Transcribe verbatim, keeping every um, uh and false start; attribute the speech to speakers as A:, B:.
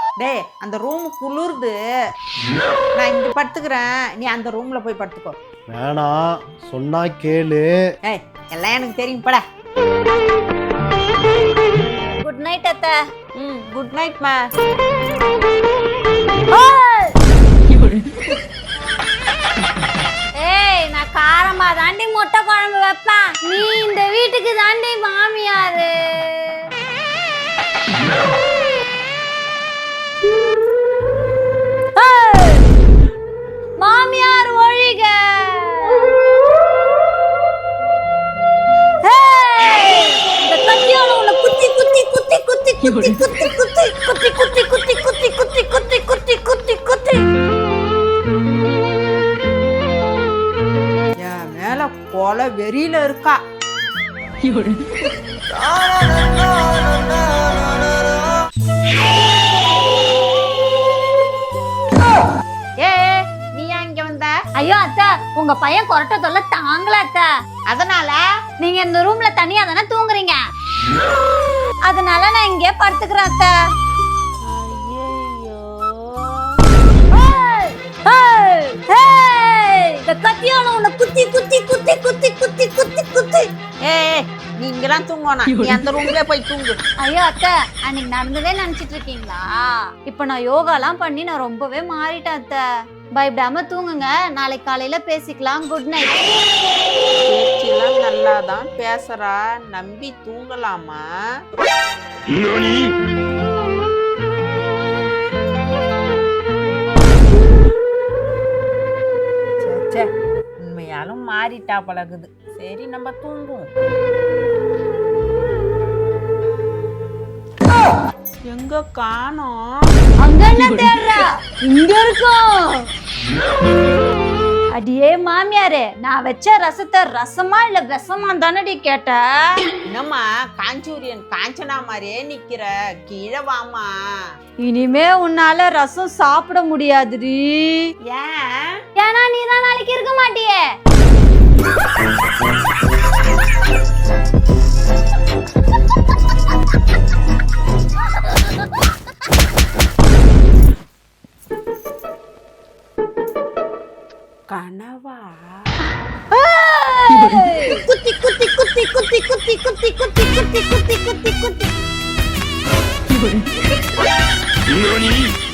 A: டேய் அந்த ரூம் குளிருது, நான் இங்க படுத்துக்கிறேன், நீ அந்த ரூம்ல போய் படுத்துக்கோ.
B: வேணாம் சொன்னா கேளு.
A: ஏய் எல்லாம் எனக்கு தெரியும் பட.
C: குட் நைட் அத்தை.
A: ம் குட் நைட் மா.
C: ஏய் நான் காரமா தாண்டி முட்டை குழம்பு வைப்பேன், நீ இந்த வீட்டுக்கு தாண்டி மாமியாரு. மாமியார் ஒழிக. இந்த கத்தியால உன்னை குத்தி குத்தி குத்தி குத்தி குத்தி குத்தி குத்தி குத்தி குத்தி குத்தி குத்தி குத்தி குத்தி குத்தி குத்தி குத்தி
A: என் மேல கொலை வெறியில இருக்கா. ஏ நீ இங்க வந்த?
C: ஐயோ அத்தை, உங்க பையன் கொரட்டை தொல்லை தாங்கல அத்தை.
A: அதனால
C: நீங்க இந்த ரூம்ல தனியா தானே தூங்குறீங்க, அதனால நான் இங்கே படுத்துக்கிறேன் அத்தை. இந்த கத்தியால உன்னை குத்தி குத்தி குத்தி குத்தி குத்தி குத்தி குத்தி.
A: ஏ நீ இங்கெல்லாம் தூங்கணும், நீ அந்த ரூம்லயே போய் தூங்கு.
C: ஐயோ அத்தை, அன்னைக்கு நடந்ததே நினைச்சிட்டு இருக்கீங்களா? இப்ப நான் யோகாலாம் பண்ணி நான் ரொம்பவே மாறிட்டேன் அத்தை. பயப்படாம தூங்குங்க, நாளைக்கு காலையில பேசிக்கலாம். Good night.
A: பேச்செல்லாம் நல்லாதான் பேசுறா, நம்பி தூங்கலாமா? சே, உண்மையாலும் மாறிட்டா பழகுது. சரி நம்ம தூங்குவோம். எங்க காணோம்?
C: அங்க என்ன தேடுற? இங்க இருக்கும். அடியே மாமியாரே, நான் வச்ச ரசத்தை ரசமா இல்ல விஷமா தானடி கேட்ட?
A: என்னம்மா காஞ்சூரியன் காஞ்சனா மாதிரியே நிக்கிற, கீழே வாமா.
C: இனிமே உன்னால ரசம் சாப்பிட முடியாதுடி.
A: ஏன்?
C: ஏன்னா நீ தான் நாளைக்கு இருக்க மாட்டியே.
A: கனவா?
C: குத்தி குத்தி குத்தி குத்தி குத்தி குத்தி குத்தி குத்தி குத்தி குத்தி குத்தி.